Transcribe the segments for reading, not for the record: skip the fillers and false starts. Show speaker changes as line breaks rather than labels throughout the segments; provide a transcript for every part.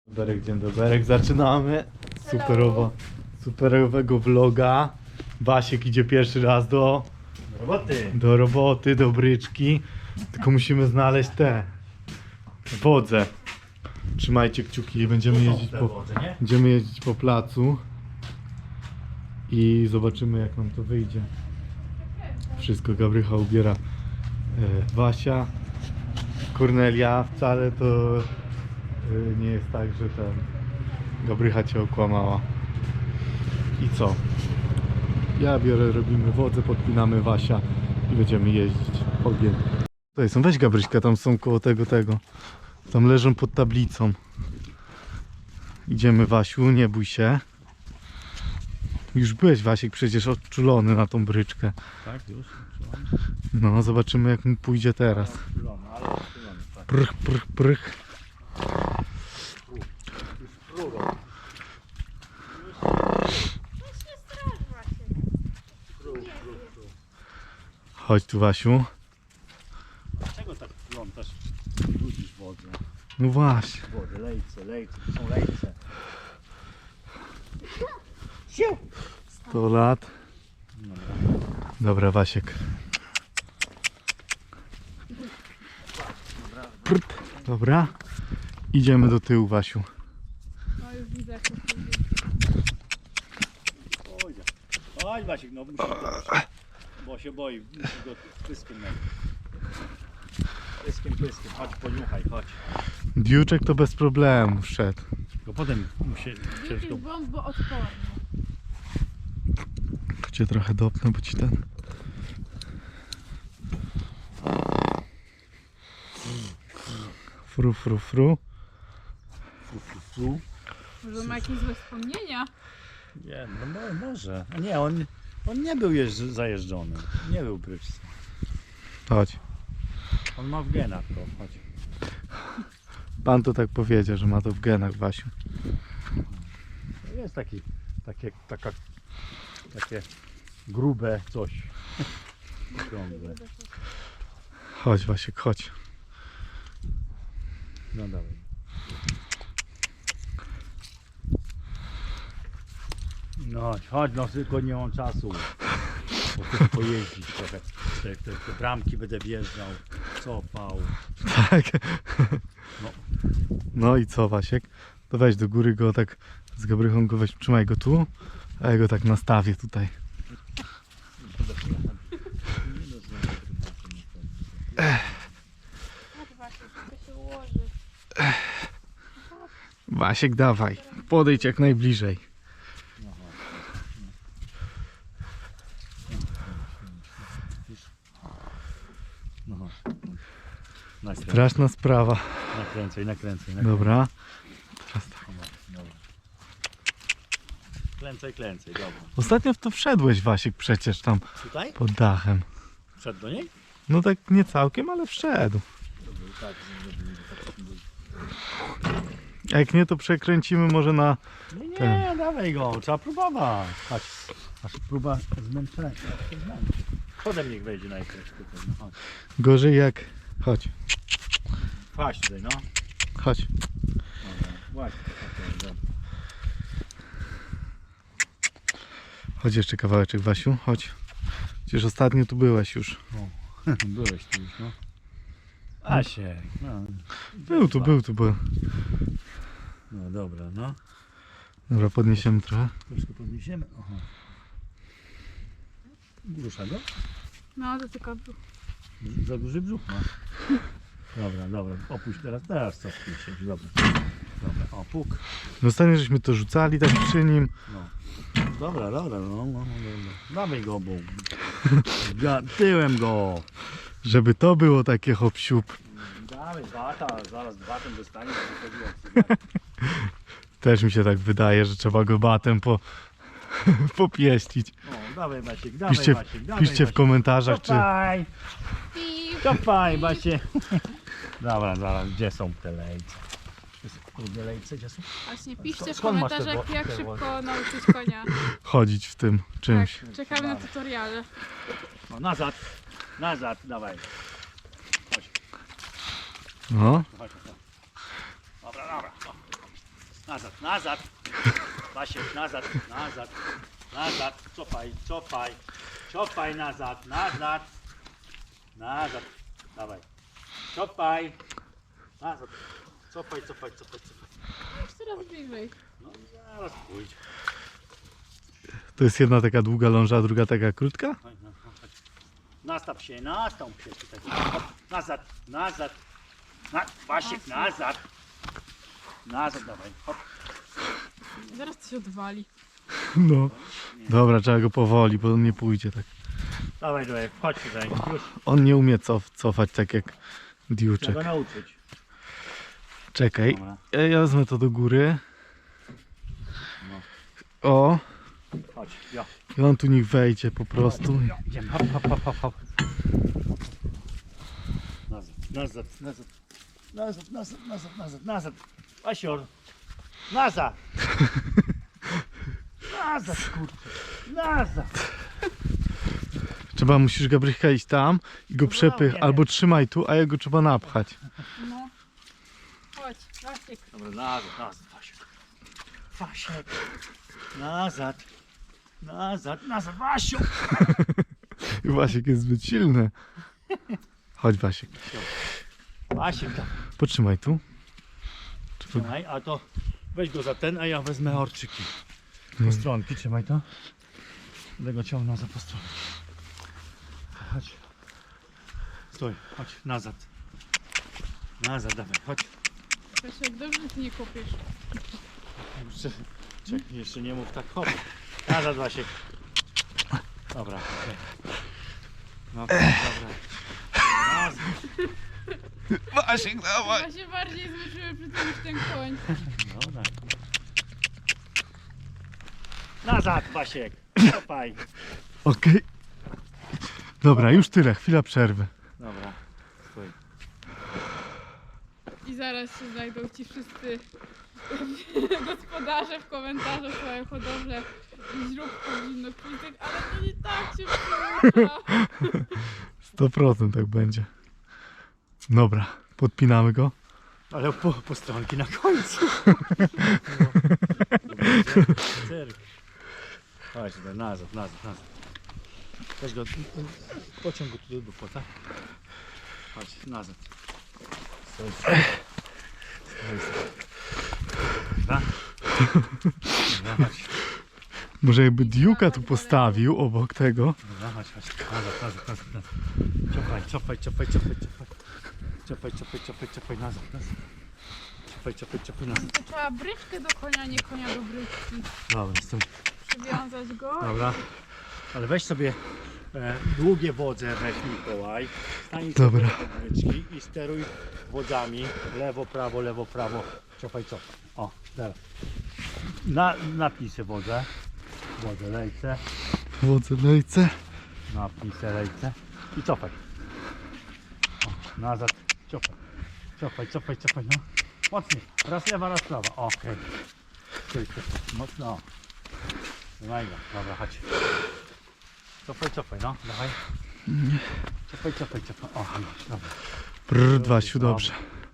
Dzień dobry, zaczynamy superowego vloga. Basiek idzie pierwszy raz do roboty, do bryczki. Tylko musimy znaleźć te wodze. Trzymajcie kciuki, będziemy jeździć po placu i zobaczymy, jak nam to wyjdzie. Wszystko Gabrycha ubiera Wasia. Kornelia, wcale to nie jest tak, że Gabrycha cię okłamała. I co? Ja biorę, robimy wodę, podpinamy Wasia i będziemy jeździć. Ogień. Tutaj są, weź Gabryśka, tam są koło tego. Tam leżą pod tablicą. Idziemy, Wasiu, nie bój się. Już byłeś, Wasiek, przecież odczulony na tą bryczkę.
Tak, już?
No, zobaczymy, jak mu pójdzie teraz. Prych, prych, prych. Chodź tu, Wasiu.
Dlaczego tak plątasz? Brudzisz wodę.
No właśnie.
Wody, lejce, to są lejce.
100 lat. Dobra, Wasiek. Prt. Dobra. Idziemy do tyłu, Wasiu.
No już widzę, jak to pójdzie.
Chodź Wasiek, no musi bo się boi, musi go pyskiem mieć. Pyskiem, chodź poniuchaj, chodź.
Diuczek to bez problemu wszedł.
Tylko potem musi ciężko...
Jest bomboodporny.
Cię trochę dopnę, bo ci ten... Fru, fru, fru.
Może ma jakieś złe wspomnienia?
Nie, no może. A nie, on nie był zajeżdżony. Nie był bryczce.
Chodź.
On ma w genach to, chodź.
Pan to tak powiedział, że ma to w genach, Wasiu.
To jest takie grube coś. Okrągłe.
Chodź, Wasiek, chodź.
No dawaj. No chodź, no tylko nie mam czasu. Bo chcę pojeździć trochę. Te bramki będę wjeżdżał, cofał.
Tak.
No.
No i co, Wasiek? To weź do góry go tak, z Gabrychą go weź, trzymaj go tu, a ja go tak nastawię tutaj.
Tak właśnie, to się ułoży.
Wasiek, dawaj, podejdź jak najbliżej.
No.
Straszna sprawa.
Nakręcaj.
Dobra. Teraz tak.
Dobra. Klęcaj, dobra.
Ostatnio w to wszedłeś, Wasiek, przecież tam
Tutaj?
pod dachem.
Wszedł do niej?
No tak nie całkiem, ale wszedł.
Tak.
A jak nie, to przekręcimy może na...
Nie, dawaj go, trzeba próbować. Chodź, aż próba zmęczenia. Chodem niech wejdzie najpierw tutaj, no chodź.
Gorzej jak... Chodź,
Chodź tutaj, no.
chodź.
Dobra, właśnie, dobra.
Chodź jeszcze kawałeczek, Wasiu, chodź. Przecież ostatnio tu byłeś już.
Byłeś tu już, no. Asiek, no.
Był tu.
No dobra, no.
Dobra, podniesiemy trochę.
Troszkę podniesiemy. Aha. Rusza go?
No to tylko brzuch.
Za duży brzuch ma. Dobra, opuść teraz cofnij się, dobra. O, puk.
No ostatnio żeśmy to rzucali tak przy nim.
No. Dobra, dobra. Dawaj go, bo tyłem go.
Żeby to było takie hop-siup.
Dawaj, bata, zaraz batem dostanie.
Też mi się tak wydaje, że trzeba go batem popieścić.
O, dawaj Basiek,
Piszcie w komentarzach, czy...
Kopaj, Basie. Dobra, zaraz, gdzie są te lejce? Lubię lejce, gdzie są?
Właśnie piszcie w
Skąd masz te
komentarzach, jak
te
szybko nauczyć konia.
chodzić w tym czymś.
Tak, czekamy na tutoriale.
No, nazad, dawaj. Chodź,
No.
chodź. Dobra. Nazad, nazad. Wasiek, nazad, nazad. Nazad, cofaj, cofaj. Cofaj nazad, nazad. Nazad. Dawaj. Cofaj. Nazad. Cofaj, cofaj, cofaj, cofaj.
Już coraz bliżej.
No zaraz pójdź.
To jest jedna taka długa ląża, a druga taka krótka?
Chodź, no, chodź. Nastaw się tutaj. Hop, nazad, nazad. Wasiek, nazad. Nazad, dawaj. Hop.
Zaraz to się odwali.
No. Dobra, trzeba go powoli, bo on nie pójdzie tak.
Dawaj, dawaj, chodź tutaj. Już.
On nie umie cofać tak jak
Trzeba
Diuczek.
go nauczyć.
Czekaj,
Dobra.
ja wezmę to do góry.
No.
O,
Chodź, ja.
i on tu niech wejdzie po prostu.
Idziemy, hop, hop, hop, hop, hop. Nazad, nazad, nazad. Nazad, nazad, nazad, nazad, nazad. Asior. Nazad. Nazad, kurczę. Nazad.
Musisz Gabrycha iść tam i go przepych,
nie.
albo trzymaj tu, a jego trzeba napchać.
No. Chodź, Wasiek.
Dobra, nazad, nazad, Wasiek. Wasiek. Nazad. Nazad, nazad, Wasiu.
I Wasiek jest zbyt silny. Chodź Wasiek,
Wasiek, tam.
potrzymaj tu.
Trzymaj, a to weź go za ten, a ja wezmę orczyki. Postronki, trzymaj to. Będę go ciągnął za postronki. Chodź. Stój, chodź, nazad. Nazad, dawaj, chodź.
Wasiek, dobrze ty nie kopiesz.
Jeszcze nie mów tak, hop. Nazad, Wasiek. Dobra, okej. Dobra, dobra. Nazad.
Wasiek, dawaj!
Ja się bardziej zmęczyłem przy tym niż ten koń.
Dobra. Nazad, Wasiek. Kopaj.
Okej. Dobra, już tyle, chwila przerwy.
Dobra, stój.
I zaraz się znajdą ci wszyscy gospodarze w komentarzach swoją hodowlę źród powinno kwitek, ale to nie tak się przyjęła.
100% tak będzie. Dobra, podpinamy go.
Ale postronki na końcu. Cyrk. Chodź, nazad, nazad, nazad. Weź go, pociąg go tu do płota. Chodź, nazad. Stoi, stoi. Stoi, stoi. Dobra. Dobra, chodź.
Może jakby Diuka tu postawił obok tego.
Dobra, chodź, chodź. Nazad, nazad, nazad, nazad. Cofaj, cofaj, cofaj, cofaj, cofaj. Cofaj, cofaj, cofaj, cofaj, nazad, nazad. Cofaj, cofaj, cofaj, nazad.
To trzeba bryczkę do konia, nie konia do bryczki.
Dobra, stoi.
Przywiązać go.
Dobra. Ale weź sobie długie wodze, weź Mikołaj. Stań
Dobra.
sobie do bryczki i steruj wodzami. Lewo, prawo. Cofaj, cofaj. O, teraz. Napnij sobie wodę. Wodę, lejce.
Wodze lejce.
Napnij sobie lejce. I cofaj. O, nazad. Cofaj. Cofaj, cofaj, cofaj. No. Mocniej. Raz lewa, raz prawa. Okej. Okay. Mocno. Trzymaj go. Dobra, chodź. Cofaj, cofaj, no. Dawaj. Cofaj, cofaj, cofaj. O, dobra.
Brrr, Wasiu, dobrze.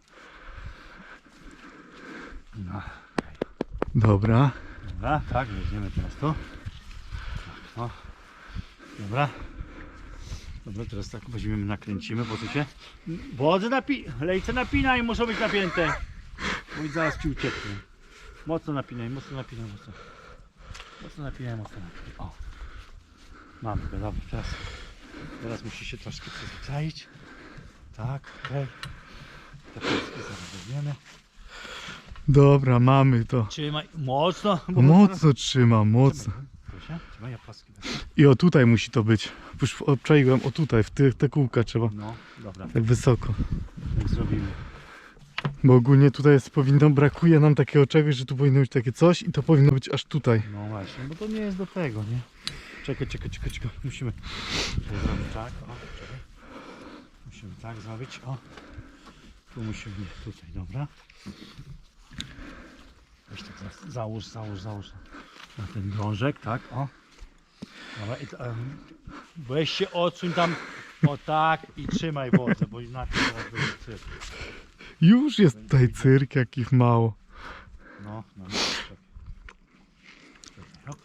No.
Dobra.
Dobra, tak, weźmiemy teraz tu. O. Dobra. Dobra, teraz tak weźmiemy, nakręcimy, bo tu się... Wodze lejce napinaj, muszą być napięte. Bo zaraz ci ucieknie. Mocno napinaj, mocno napinaj, mocno. Mocno napinaj, mocno napinaj. O. Mamy go, dobra, teraz musi się troszkę przyzwyczaić. Tak, okej. Te paski zaraz weźmiemy.
Dobra, mamy to.
Trzymaj, mocno. bo
Mocno trzymam, mocno.
Proszę, trzymaj, ja paski wezmę.
I o tutaj musi to być. Już obczaiłem, o tutaj, w te kółka trzeba.
No, dobra,
Tak wysoko.
tak zrobimy.
Bo ogólnie tutaj brakuje nam takiego czegoś, że tu powinno być takie coś i to powinno być aż tutaj.
No właśnie, bo to nie jest do tego, nie? Czekaj. Musimy zrobić tak, o, czekaj. Musimy tak zrobić, o. Tu musimy, tutaj, dobra. Weź tak załóż na ten drążek, tak, o. Dobra, i weź się odsuń tam, o tak i trzymaj wodę, bo inaczej to będzie cyrk.
Już jest tutaj cyrk, jakich mało.
No. No, no, czekaj. Czekaj, hop.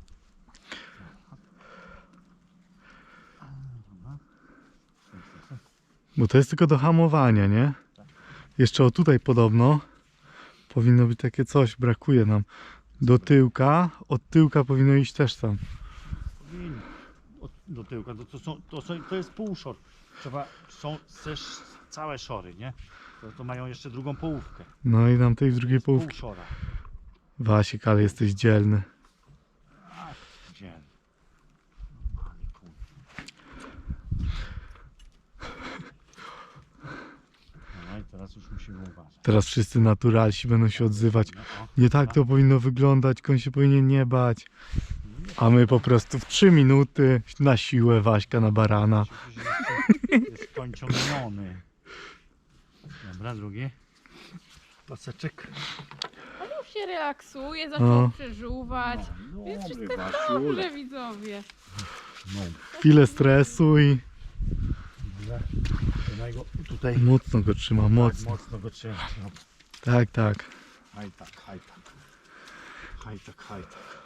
Dobra.
Bo to jest tylko do hamowania, nie? Jeszcze o tutaj podobno powinno być takie coś, brakuje nam. Do tyłka, od tyłka powinno iść też tam.
Powinno. Do tyłka, to jest półszor. Są też całe szory, nie? To mają jeszcze drugą połówkę.
No i tam tej drugiej połówki.
Półszora.
Wasik, ale jesteś dzielny.
Ach, gdzie? No i teraz już musimy uważać.
Teraz wszyscy naturalsi będą się odzywać.
No, o,
Nie tak to powinno wyglądać, koń się powinien nie bać. A my po prostu w 3 minuty na siłę Waśka na barana.
jest kończony. Dobra, drugi. Paseczek.
On już się relaksuje, zaczął
No.
przeżuwać.
No,
Jest
dobry
wszystko
Wasiulek.
dobrze, widzowie.
No,
Chwilę stresu i
dobra. Trzymaj go tutaj.
mocno go trzyma,
Tak,
mocno.
mocno go trzymaj. No.
Tak, tak.
Haj tak, haj tak. Haj tak, haj tak.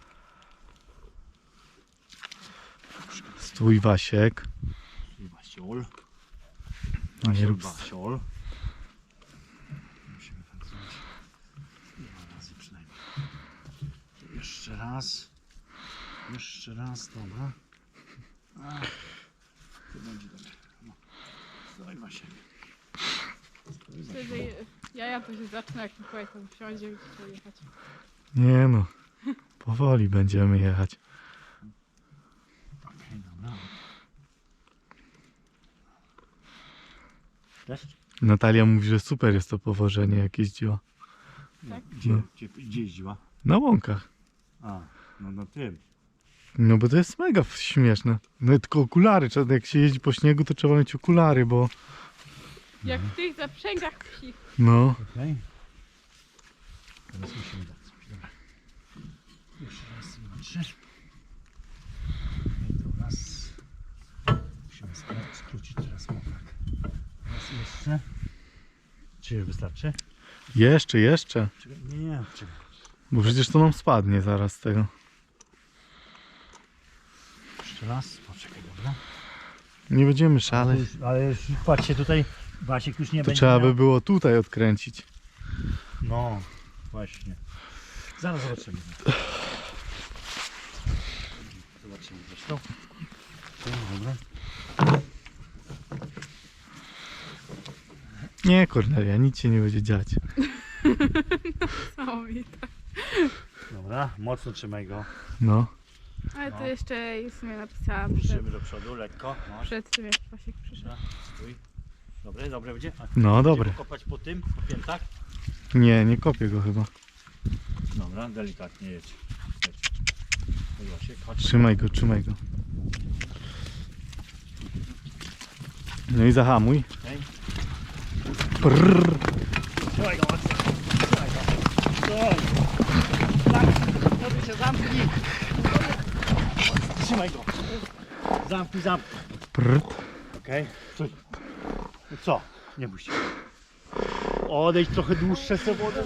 Stój Wasiek.
I Wasiol.
Nie
Wasiol,
rób
Wasiol. Musimy tak zrobić. 2 razy przynajmniej. Jeszcze raz. Jeszcze raz, dobra. Ach, to będzie dobre. No. Dawaj Wasiek. Stój,
Myślę, że
Wasiol.
jaja to się zaczyna, jak Mikołaj tam wsiądzie i chce jechać.
Nie no, powoli będziemy jechać.
Okej, dobra. Też?
Natalia mówi, że super jest to powożenie, jak jeździła.
Tak?
Gdzie jeździła?
Na łąkach.
A, no na tym.
No bo to jest mega śmieszne. No tylko okulary, jak się jeździ po śniegu, to trzeba mieć okulary, bo
Jak w tych zaprzęgach psich.
no.
Okej. Teraz musimy dać coś. Dobra. Jeszcze raz, 2, 3. I to raz. Musimy skrócić teraz mokrak. Raz jeszcze. Czy wystarczy?
Jeszcze.
Czekaj, nie, czekaj.
Bo przecież to nam spadnie zaraz z tego.
Jeszcze raz. Poczekaj, dobra.
Nie będziemy szaleć.
Ale już patrzcie, tutaj Wasiek już nie
To
będzie
trzeba
miał...
by było tutaj odkręcić.
No, właśnie. Zaraz zobaczymy. Zobaczymy zresztą. Dobra.
Nie, Kornelia, nic się nie będzie dziać.
Niesamowite.
Dobra, mocno trzymaj go.
No.
Ale
No.
to jeszcze sobie napisałam
Ruszymy do przodu, lekko. No,
przed tym, jak Pasiek przyszedł.
dobra, stój. Dobre będzie? A,
No dobre.
będziemy kopać po tym, po piętach?
Nie kopię go chyba.
Dobra, delikatnie jedź. Chodź, Wasiek, chodź.
Trzymaj go. No i zahamuj.
Okej.
Prrr.
Trzymaj go mocno. Trzymaj go. Zamknij. Może się zamknij. Trzymaj go. Zamknij.
Prrr.
Okej. Stój. No co? Nie bój się. Odejdź trochę dłuższe se wodę.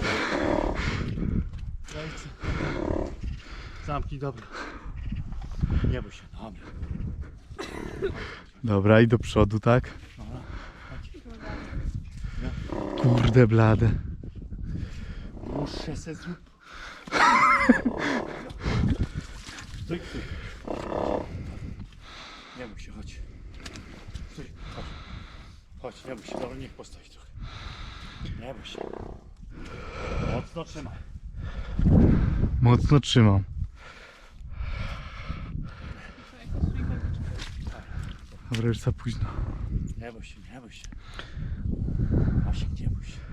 Zamknij, dobra. Nie bój się. Dobra.
Dobra, i do przodu, tak?
Dobra.
Kurde blade.
Dłuższe se zrób. Stój. Nie bój się, chodź. Stój, chodź. Chodź, nie bój się, dobra, niech postoi trochę. Nie bój się. Mocno trzymaj.
Mocno trzymam. Dobra, już za późno.
Nie bój się, nie bój się. Wasiek, nie bój się.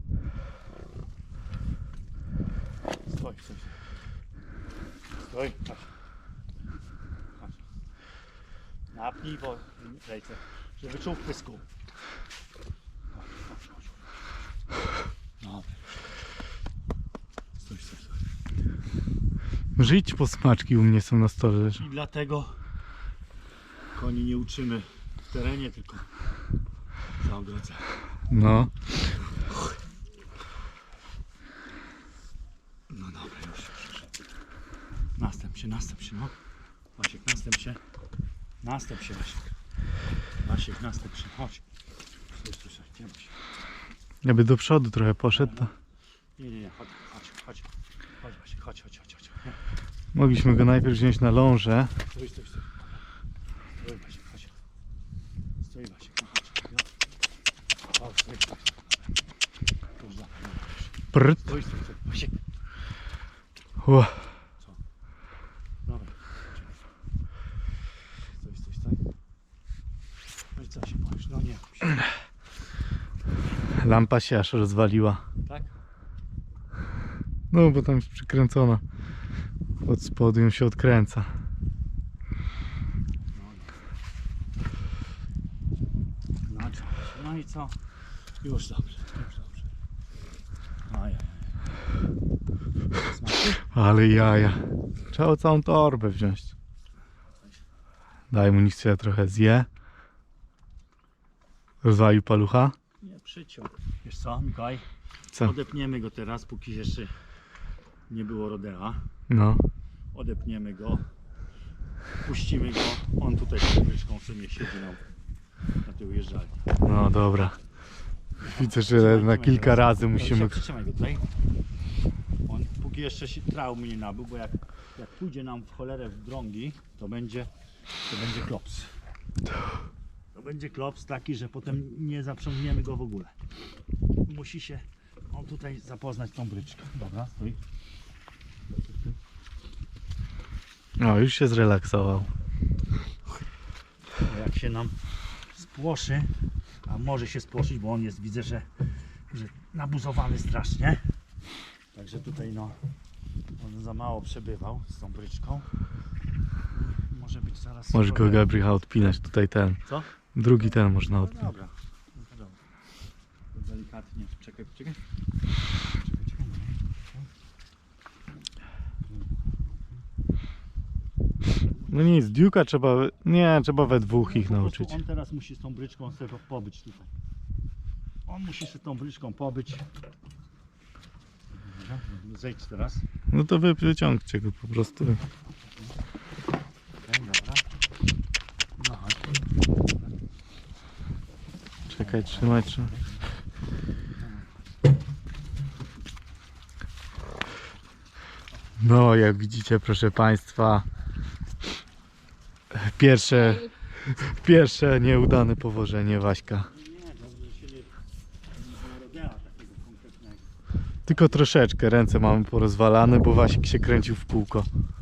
Stoj. Stoj, chodź. Chodź. Napnij ręce, żeby czuł w pysku. Chodź. Dobra. Stój.
Może idź po smaczki, u mnie są na stole leżą.
I dlatego koni nie uczymy w terenie, tylko za ogrodze.
No.
No dobra, już. Następ się, no. Wasiek, następ się, Wasiek. Wasiek, następ się, chodź. Słyszę, gdzie Wasiek?
Jakby do przodu trochę poszedł, to
Nie, chodź. Chodź Wasiek, chodź. Nie.
mogliśmy go najpierw wziąć na lążę.
Stój Wasiek, chodź. Stój Wasiek, no chodź. O, stój. Już dobra,
Prt.
Stój, Wasiek.
Ło.
Dobra. Stój. No i co się boisz? No nie.
Lampa się aż rozwaliła.
Tak?
No bo tam jest przykręcona. Od spodu ją się odkręca.
No i co? Już dobrze. Ajaj.
Ale jaja. Trzeba całą torbę wziąć. Daj mu, niech się trochę zje. Rozwalił palucha.
Nie przyciął. Wiesz co, Mikołaj?
Co?
Odepniemy go teraz, póki jeszcze nie było rodea.
No.
Odepniemy go. Puścimy go. On tutaj z bryczką sobie siedzi na tył jeżdżalni.
No dobra. Widzę, że na kilka razy musimy...
Przytrzymaj go tutaj. On póki jeszcze się traumy nie nabył, bo jak pójdzie nam w cholerę w drągi, to będzie klops. To będzie klops taki, że potem nie zaprzągniemy go w ogóle. Musi się on tutaj zapoznać tą bryczką. Dobra, stój.
O, już się zrelaksował.
Bo jak się nam spłoszy, a może się spłoszyć, bo on jest, widzę, że nabuzowany strasznie. Także tutaj no, on za mało przebywał z tą bryczką. Może być zaraz...
Możesz go, Gabriel, odpinać. Tutaj ten.
Co?
Drugi ten można
No
odpinać.
dobra. No to dobra. To delikatnie. Czekaj.
No nic, Duke'a trzeba... Nie, trzeba we dwóch ich
Po prostu
nauczyć.
On teraz musi z tą bryczką sobie pobyć tutaj. On musi z tą bryczką pobyć. Dobra, zejdź teraz.
No to wy wyciągcie go po prostu.
Okej, dobra. No chodź.
Czekaj, trzymaj. No, jak widzicie, proszę Państwa, pierwsze nieudane powożenie Waśka.
Nie, dobrze, że się nie rodea takiego konkretnego.
Tylko troszeczkę ręce mamy porozwalane, bo Wasik się kręcił w kółko.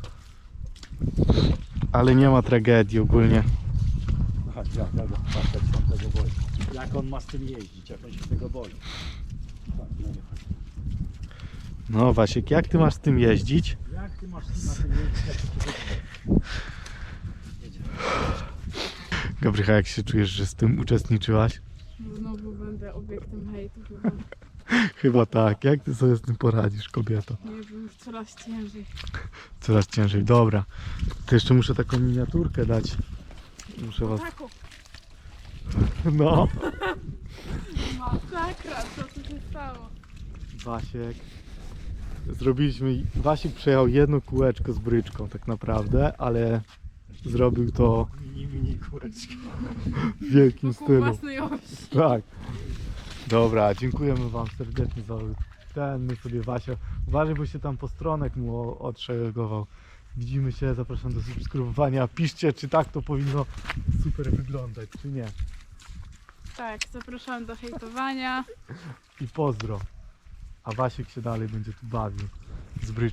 Ale nie ma tragedii ogólnie.
No chodź, jak on tego boi. Jak on ma z tym jeździć, jak on się tego boi. Chodź, no nie chodź.
No Wasiek, jak ty masz z tym jeździć?
Jak ty masz na tym jeździć, jak się tego boi? Jedziemy.
Gabrycha, jak się czujesz, że z tym uczestniczyłaś?
Znowu będę obiektem hejtu chyba.
Chyba tak. Jak ty sobie z tym poradzisz, kobieto?
Nie wiem, już coraz ciężej.
Coraz ciężej. Dobra. To jeszcze muszę taką miniaturkę dać. Muszę was...
Taku,
No.
masakra, co tu się stało?
Wasiek. Wasiek przejechał jedno kółeczko z bryczką tak naprawdę, ale zrobił to
Mini kureczki.
w wielkim
Wokół
stylu.
własnej osi.
Tak. Dobra, dziękujemy wam serdecznie za ten, my sobie Wasia. Uważaj, bo się tam postronek mu odszeregował. Widzimy się, zapraszam do subskrybowania. Piszcie, czy tak to powinno super wyglądać, czy nie.
Tak, zapraszam do hejtowania.
I pozdro. A Wasiek się dalej będzie tu bawił z bryczką.